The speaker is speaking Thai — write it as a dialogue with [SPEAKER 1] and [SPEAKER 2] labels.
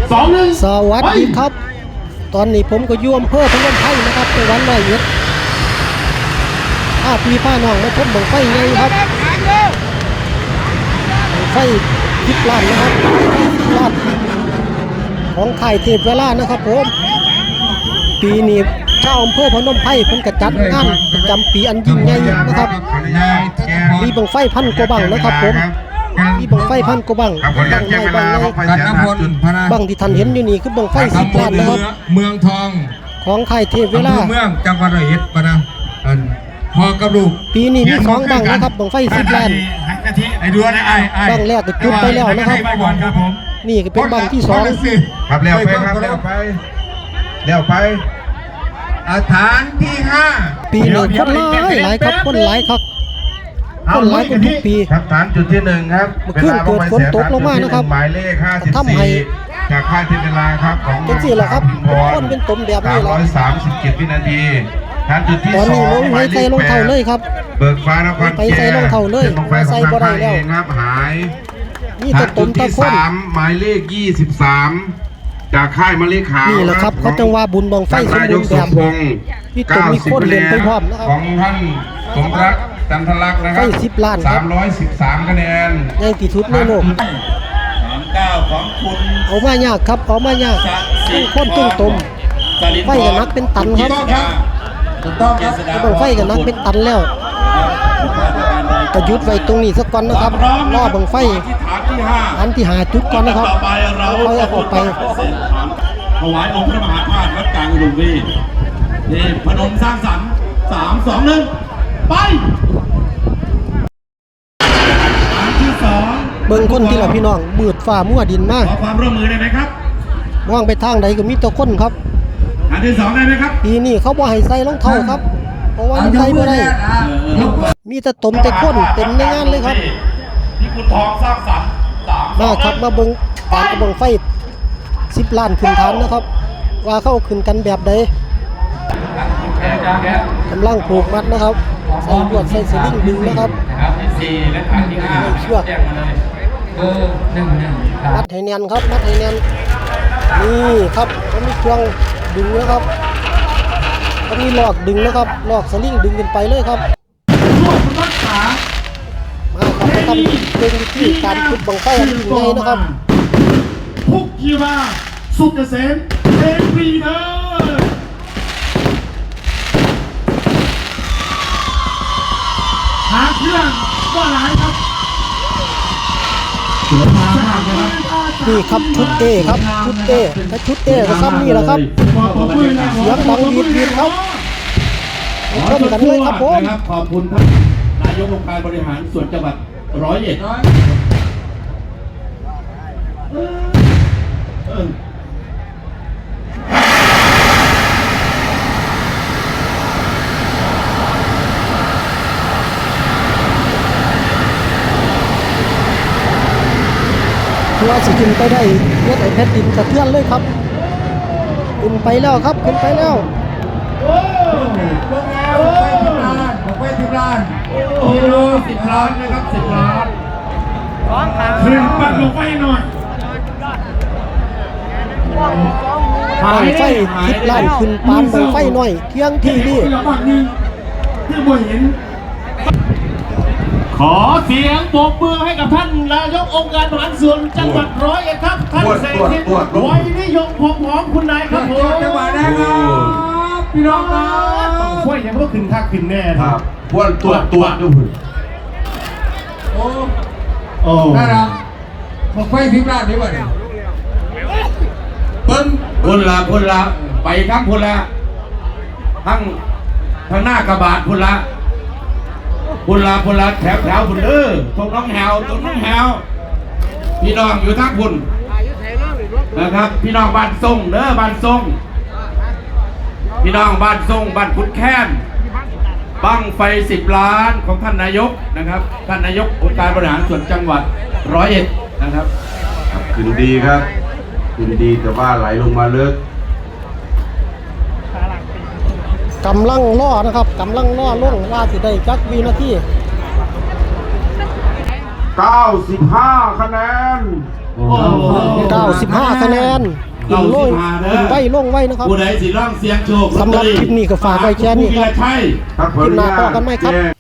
[SPEAKER 1] สวัสดีครับตอนนี้ผมก็อยู่อำเภอพนมไพรนะครับจังหวัดร้อยเอ็ดพี่น้องมาชมบั้งไฟใหญ่ครับบั้งไฟ10 ล้านนะครับ10 ล้านของค่ายเทพเวลานะครับผมปีนี้ชาวอำเภอพนมไพรเพิ่นก็จัดงานประจำปีอันยิ่งใหญ่นะครับมีบั้งไฟพันกว่าบั้งนะครับผมมีบั้งไฟพันกว่าบั้งบั้งใหญ่บั้งใหญ่บั้งที่ท่านเห็นอยู่นี่คือบั้งไฟ10 ล้านนะครับ
[SPEAKER 2] เมืองทอง
[SPEAKER 1] ของค่ายเทพเวลา
[SPEAKER 2] เมืองจังหวัดร้อยเอ็ดปะนะพอกระดูก
[SPEAKER 1] ปีนี้มี2บั้งนะครับบั้งไฟ10 ล้าน
[SPEAKER 2] ไอ้ดูนะ
[SPEAKER 1] บั้งแรกก็จุดไปแล้วนะครับนี่ก็เป็นบั้งที่2
[SPEAKER 2] ครับแล้วไปครับแล้วไปฐานที่5
[SPEAKER 1] ปีนี้คนหลายครับคนหลายครับคนหลายกว่าทุกปี
[SPEAKER 2] ครับฐานจุดที่1ครับ
[SPEAKER 1] เมื่อคืนเกิดฝนตกลงมานะครับ
[SPEAKER 2] หมายเลข54จากค่ายเทพเวลาครับของ
[SPEAKER 1] เป็นสิล่ะครับคนเป็นตมแบบนี้แหละ
[SPEAKER 2] 337 วินาทีฐานจุดที่2
[SPEAKER 1] ตอนนี้ลงไม่ใส่รองเท้าเลยครับ
[SPEAKER 2] เบิกฟ้านคร
[SPEAKER 1] ไปใส่รองเท้าเลยใส่บ่ได้แล้ว
[SPEAKER 2] ครับหาย
[SPEAKER 1] นี่ตะตมตะคน
[SPEAKER 2] หมายเลข23จากค่ายมะลิขาว
[SPEAKER 1] นี่แหละครับเขาจังว่าบุญบังไฟสมบูรณ์แบบพี่ตุ่มมีคนเล่นไปพร้อมนะครับ
[SPEAKER 2] ของท่านสมรักจันทลักษณ์นะครับ
[SPEAKER 1] 10 ล้านครับ
[SPEAKER 2] 313 คะแนน
[SPEAKER 1] ใหญ่ที่สุดในโลก
[SPEAKER 3] 39ของคุณ
[SPEAKER 1] เอามายากครับเอามายากคนตึ้งตมไฟกันนักเป็นตันครับบังไฟกันนักเป็นตันแล้วจะยุดไว้ตรงนี้สักก่อนนะครับรอบังไฟอันที่5จุดก่อนนะครับเอาออกไป
[SPEAKER 3] ถวายองค์พระมหาธาตุวัดกลางอุดมวีนี่พนมสร้างสรรค์3 2 1ไปอันที่2
[SPEAKER 1] เบิ่งคนที่ละพี่น้องบืดฝ่ามั่วดินมาก
[SPEAKER 3] ขอความร่วมมือได้ไหมครับ
[SPEAKER 1] มองไปทางใดก็มีแต่คนครับ
[SPEAKER 3] อันที่2ได้ไหมครับ
[SPEAKER 1] ปีนี้เขาบ่ให้ใส่รองเท้าครับเพราะว่ามันใส่บ่ได้มีแต่ตมแต่คนเต็มในงานเลยครับ
[SPEAKER 3] ที่คุณทองสร้างสรรค์
[SPEAKER 1] มาครับมาเบิ่งการกระบองไฟ10 ล้านขึ้นฐานนะครับว่าเข้าขึ้นกันแบบใดกำลังผูกมัดนะครับใส่ลวดใส่สลิงดึงนะครับ
[SPEAKER 3] ที่4และฐานที่5
[SPEAKER 1] เชือกมัดให้แน่นครับมัดให้แน่นนี่ครับเขามีเครื่องดึงนะครับเขามีลอกดึงนะครับลอกสลิงดึงขึ้นไปเลยครับมาครับมาทำเป็นวิธีการขุดบังไฟอันยิ่งใหญ่นะครับ
[SPEAKER 3] พุกยีมาสุกเกษมเอ็นวีเนอร์หาเครื่องว่าหลายครับ
[SPEAKER 1] นี่ครับชุดเอครับชุดเอถ้าชุดเอก็ซ้ำนี่แหละครับเสียงดังวีดครับชมกันเลยครับผม
[SPEAKER 3] ขอบคุณท่านนายกองค์การบริหารส่วนจังหวัดร้อยเอ็ด
[SPEAKER 1] ตัวสิขึ้นไปได้เลือดไอแผ่นดินสะเทือนเลยครับขึ้นไปแล้วครับขึ้นไปแล้ว
[SPEAKER 3] ไป10 ล้านกิโล10 ล้านนะครับ10 ล้านขึ้นปัดลงไปหน่อย
[SPEAKER 1] บังไฟ10 ล้านขึ้นปานบังไฟหน่อยเที่ยงที่นี่
[SPEAKER 3] ขอเสียงปรบมือให้กับท่านนายกองค์การบริหารส่วนจังหวัดร้อยเอ็ดครับท่านเศรษฐิตไว้นิยมของคุณนายครับผมจังหวัดนะครับพี่น้องครับช่วยยังก็ขึ้นค่าขึ้นแน่
[SPEAKER 2] ครับพวกตัวดู
[SPEAKER 3] โอ้ได้แล้วผมไป10 ล้านดีกว่าเนี่ยคนละไปทั้งคนละทั้งหน้ากระบาดคนละแถวพุ่นตรงน้องแหวพี่น้องอยู่ทั้งพุ่นนะครับพี่น้องบ้านทรงบ้านทรงพี่น้องบ้านทรงบ้านขุนแค้นบั้งไฟ10 ล้านของท่านนายกนะครับท่านนายกองค์การบริหารส่วนจังหวัดร้อยเอ็ดนะครับ
[SPEAKER 2] ขึ้นดีครับขึ้นดีแต่ว่าไหลลงมาลึก
[SPEAKER 1] กำลังล่อนะครับกำลังล่อล่วงว่าสิได้จักวินาที
[SPEAKER 2] 95 คะแนน
[SPEAKER 1] 95 คะแนนขึ้นโล่ขึ้นไว้ลงไว้นะครับ
[SPEAKER 3] ผู้ใดสิร้องเสียงโชค
[SPEAKER 1] สำหรับคลิปนี้ก็ฝากไว้แค่นี้ครับ
[SPEAKER 3] ผู้วีรชัย
[SPEAKER 2] ครับผม
[SPEAKER 1] คลิปหน้าพบกันไหมครับ
[SPEAKER 2] แจ้ง